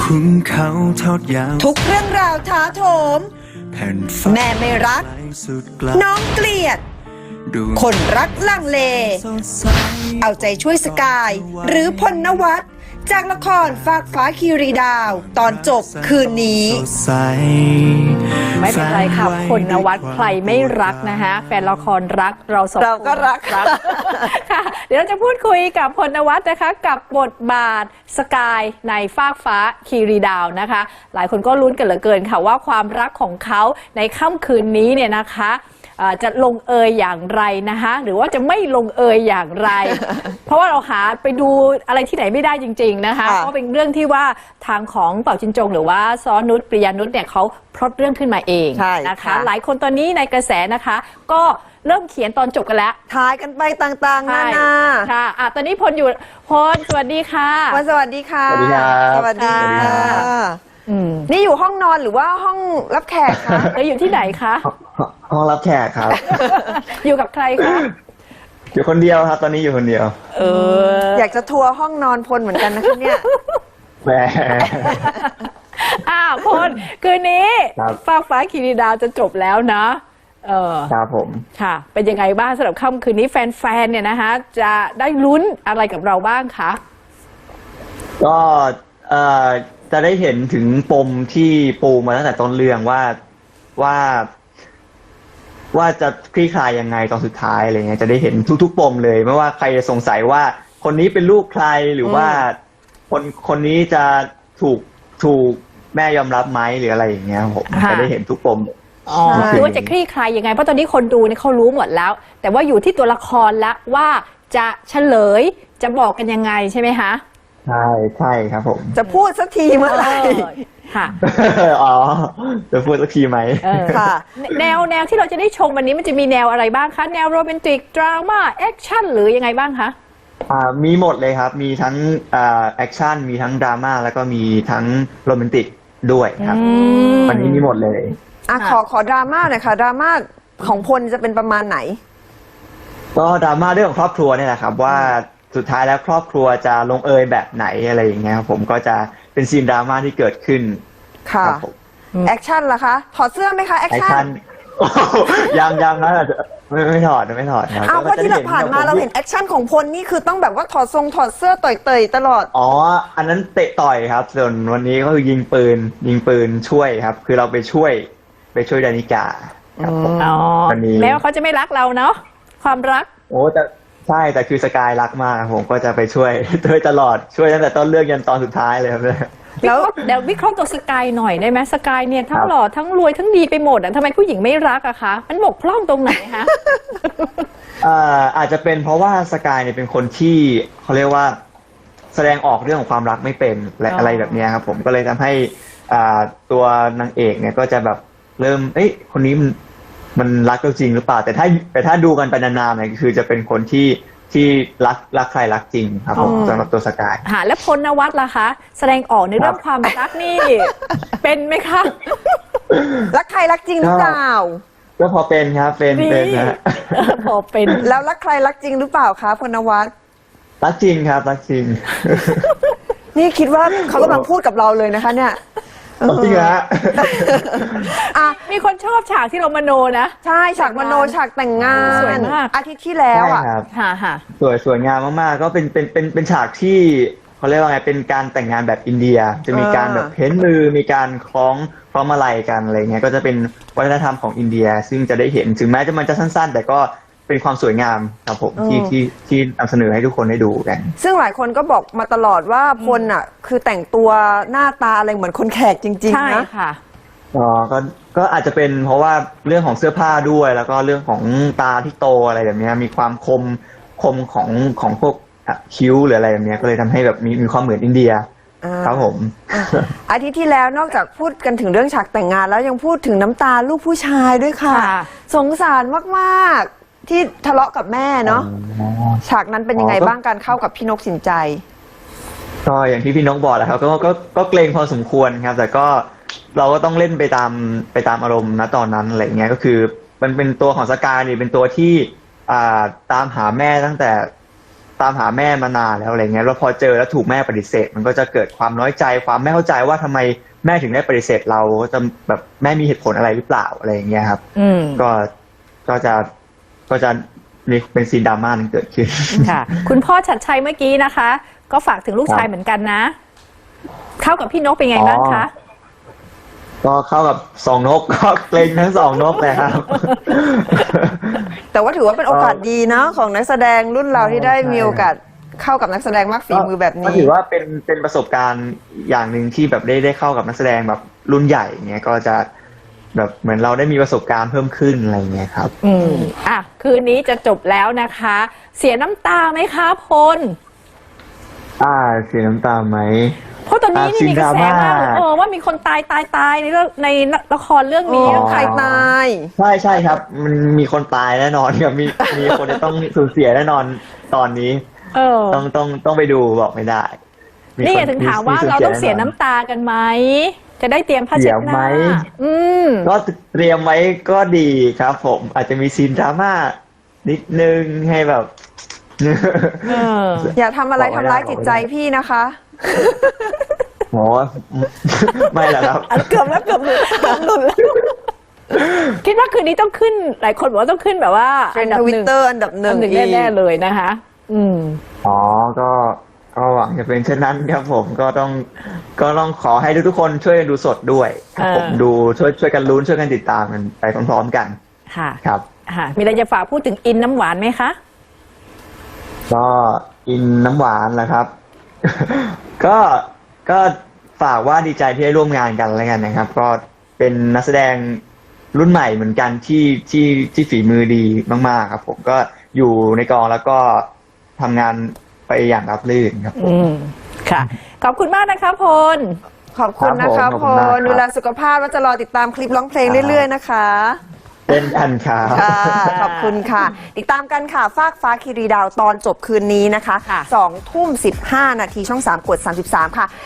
ขุนเขาทอดยาวทุกเรื่องราวท้าโถมแผ่นฟ้าแม่ไม่รักน้องเกลียดคนรักลังเลเอาใจช่วยสกายหรือพลนวัตจากละครฟากฟ้าคีรีดาวตอนจบคืนนี้ไม่เป็นไรค่ะพลนวัตใครไม่รักนะคะแฟนละครรักเราสองคนก็รักค่ะเดี๋ยวเราจะพูดคุยกับพลนวัตนะคะกับบทบาทสกายในฟากฟ้าคีรีดาวนะคะหลายคนก็ลุ้นกันเหลือเกินค่ะว่าความรักของเขาในค่ำคืนนี้เนี่ยนะคะจะลงเอยอย่างไรนะคะหรือว่าจะไม่ลงเอยอย่างไร เพราะว่าเราหาไปดูอะไรที่ไหนไม่ได้จริงๆนะคะเพราะเป็นเรื่องที่ว่าทางของเป่าจินจงหรือว่าซ้อนุชปริยานุชเนี่ยเขาพล็อตเรื่องขึ้นมาเองนะคะหลายคนตอนนี้ในกระแสนะคะก็เริ่มเขียนตอนจบกันแล้วทายกันไปต่างๆนานาค่ะตอนนี้พลอยู่พลสวัสดีค่ะพลสวัสดีค่ะสวัสดีครับสวัสดีค่ะนี่อยู่ห้องนอนหรือว่าห้องรับแขกคะอยู่ที่ไหนคะห้องรับแขกครับอยู่กับใครคะอยู่คนเดียวครับตอนนี้อยู่คนเดียวอยากจะทัวร์ห้องนอนพลเหมือนกันนะคะเนี่ยแหมพลคืนนี้ฟากฟ้าคีรีดาวจะจบแล้วนะครับผมค่ะเป็นยังไงบ้างสำหรับค่ำคืนนี้แฟนๆเนี่ยนะคะจะได้ลุ้นอะไรกับเราบ้างคะก็จะได้เห็นถึงปมที่ปูมาตั้งแต่ต้นเรื่องว่าจะคลี่คลายยังไงตอนสุดท้ายอะไรเงี้ยจะได้เห็นทุกปมเลยไม่ว่าใครจะสงสัยว่าคนนี้เป็นลูกใครหรือว่าคนนี้จะถูกแม่ยอมรับไหมหรืออะไรอย่างเงี้ยผมจะได้เห็นทุกปมคือว่าจะคลี่คลายยังไงเพราะตอนนี้คนดูเนี่ยเขารู้หมดแล้วแต่ว่าอยู่ที่ตัวละครละว่าจะเฉลยจะบอกกันยังไงใช่ไหมคะใช่ครับผมจะพูดสักทีเมื่อไหร่ค่ะจะพูดสักทีไหมค่ะแนวที่เราจะได้ชมวันนี้มันจะมีแนวอะไรบ้างคะแนวโรแมนติกดราม่าแอคชั่นหรือยังไงบ้างคะมีหมดเลยครับมีทั้งแอคชั่นมีทั้งดราม่าแล้วก็มีทั้งโรแมนติกด้วยครับวันนี้มีหมดเลยขอดราม่าหน่อยค่ะดราม่าของพลจะเป็นประมาณไหนก็ดราม่าเรื่องของครอบครัวเนี่ยแหละครับว่าสุดท้ายแล้วครอบครัวจะลงเอยแบบไหนอะไรอย่างเงี้ยผมก็จะเป็นซีนดราม่าที่เกิดขึ้นค่ะแอคชั่นล่ะคะถอดเสื้อไหมคะแอคชั่นยังนะอาจจะไม่ถอดครับเพราะที่เราผ่านมาเราเห็นแอคชั่นของพลนี่คือต้องแบบว่าถอดเสื้อต่อยตลอดอันนั้นเตะต่อยครับส่วนวันนี้ก็คือยิงปืนช่วยครับคือเราไปช่วยดานิกาครับวันนี้แล้วเขาจะไม่รักเราเนาะความรักใช่แต่คือสกายรักมากผมก็จะไปช่วยตลอดช่วยตั้งแต่ต้นเรื่องยันตอนสุดท้ายเลยครับแล้วเดี๋ยววิเคราะห์ตัวสกายหน่อยได้ไหมสกายเนี่ยทั้งหล่อทั้งรวยทั้งดีไปหมดทำไมผู้หญิงไม่รักอะคะมันบกพร่องตรงไหนคะอาจจะเป็นเพราะว่าสกายเนี่ยเป็นคนที่เขาเรียกว่าแสดงออกเรื่องของความรักไม่เป็นและอะไรแบบนี้ครับผมก็เลยทำให้ตัวนางเอกเนี่ยก็จะแบบเริ่มคนนี้มันรักเราจริงหรือเปล่าแต่ถ้าดูกันไปนานๆเนี่ยคือจะเป็นคนที่รักใครรักจริงครับผมสำหรับตัวสกายแล้วพลนวัตล่ะคะแสดงออกในเรื่องความรักนี่เป็นไหมคะรักใครรักจริงหรือเปล่าก็พอเป็นครับเป็นนะพอเป็นแล้วรักใครรักจริงหรือเปล่าคะพลนวัตรักจริงครับรักจริงนี่คิดว่าเขากำลังพูดกับเราเลยนะคะเนี่ยจริงฮะมีคนชอบฉากที่เรามโนนะใช่ฉากมโนฉากแต่งงานสวยมากอาทิตย์ที่แล้วสวยงามมากๆก็เป็นฉากที่เขาเรียกว่าไงเป็นการแต่งงานแบบอินเดียจะมีการแบบเพ้นมือมีการคล้องมาลัยกันอะไรเงี้ยก็จะเป็นวัฒนธรรมของอินเดียซึ่งจะได้เห็นถึงแม้มันจะสั้นๆแต่ก็เป็นความสวยงามครับผมที่นำเสนอให้ทุกคนได้ดูกันซึ่งหลายคนก็บอกมาตลอดว่าพลคือแต่งตัวหน้าตาอะไรเหมือนคนแขกจริงๆนะใช่ค่ะก็อาจจะเป็นเพราะว่าเรื่องของเสื้อผ้าด้วยแล้วก็เรื่องของตาที่โตอะไรแบบนี้มีความคมของพวกคิ้วหรืออะไรแบบนี้ก็เลยทำให้แบบมีความเหมือนอินเดียครับผมอาทิตย์ที่แล้วนอกจากพูดกันถึงเรื่องฉากแต่งงานแล้วยังพูดถึงน้ำตาลูกผู้ชายด้วยค่ะสงสารมากๆที่ทะเลาะกับแม่เนาะฉากนั้นเป็นยังไงบ้างการเข้ากับพี่นกสินใจก็อย่างที่พี่นกบอกแหละครับก็เกรงพอสมควรครับแต่ก็เราก็ต้องเล่นไปตามอารมณ์ณตอนนั้นอะไรเงี้ยก็คือมันเป็นตัวของสกายนี่เป็นตัวที่ตามหาแม่ตั้งแต่ตามหาแม่มานานแล้วอะไรเงี้ยแล้วพอเจอแล้วถูกแม่ปฏิเสธมันก็จะเกิดความน้อยใจความไม่เข้าใจว่าทำไมแม่ถึงได้ปฏิเสธเราจะแบบแม่มีเหตุผลอะไรหรือเปล่าอะไรอย่างเงี้ยครับก็จะมีเป็นซีนดราม่านึงเกิดขึ้นค่ะ คุณพ่อชัดชัยเมื่อกี้นะคะ ก็ฝากถึงลูกชายเหมือนกันนะ เข้ากับพี่นกเป็นไงบ้างคะก็เข้ากับสองนกก็เกรงทั้งสองนกเลยครับแต่ว่าถือว่าเป็นโอกาสดีเนาะของนักแสดงรุ่นเราที่ได้มีโอกาสเข้ากับนักแสดงมากฝีมือแบบนี้ก็ถือว่าเป็นประสบการณ์อย่างหนึ่งที่แบบได้เข้ากับนักแสดงแบบรุ่นใหญ่เงี้ยก็จะแบบเหมือนเราได้มีประสบการณ์เพิ่มขึ้นอะไรเงี้ยครับคืนนี้จะจบแล้วนะคะ เสียน้ำตาไหมคะพลเสียน้ำตาไหมเพราะตอนนี้นี่มีกระแสมากว่ามีคนตายในเรื่องในละครเรื่องนี้ใครตายใช่ครับมันมีคนตายแน่นอนครับมีคนจะต้องสูญเสียแน่นอนตอนนี้ต้องไปดูบอกไม่ได้นี่ถึงถามว่าเราต้องเสียน้ำตากันไหมจะได้เตรียมผ้าเช็ดหน้าก็เตรียมไว้ก็ดีครับผมอาจจะมีซีนดราม่านิดนึงให้แบบอย่าทำอะไรทำร้ายจิตใจพี่นะคะโหไม่หรอกครับเกือบหลุดแล้วคิดว่าคืนนี้ต้องขึ้นหลายคนบอกว่าต้องขึ้นแบบว่าอันดับTwitterอันดับหนึ่งแน่ๆเลยนะคะก็หวังจะเป็นเช่นนั้นครับผมก็ต้องขอให้ทุกคนช่วยกันดูสดด้วยครับผมดูช่วยกันลุ้นช่วยกันติดตามกันไปพร้อมๆกันค่ะครับมีอะไรจะฝากพูดถึงอินน้ำหวานไหมคะก็อินน้ำหวานแหละครับ ก็ฝากว่าดีใจที่ได้ร่วมงานกันแล้วกันนะครับก็เป็นนักแสดงรุ่นใหม่เหมือนกันที่ฝีมือดีมากๆครับผมก็อยู่ในกองแล้วก็ทำงานไปอย่างราบรื่นครับผมค่ะขอบคุณมากนะคะพลขอบคุณนะคะพลดูแลสุขภาพแล้วจะรอติดตามคลิปร้องเพลงเรื่อยๆนะคะเป็นอันค่ะขอบคุณค่ะติดตามกันค่ะฟากฟ้าคีรีดาวตอนจบคืนนี้นะคะ 2:15 น.ช่อง 3 กด 33 ค่ะ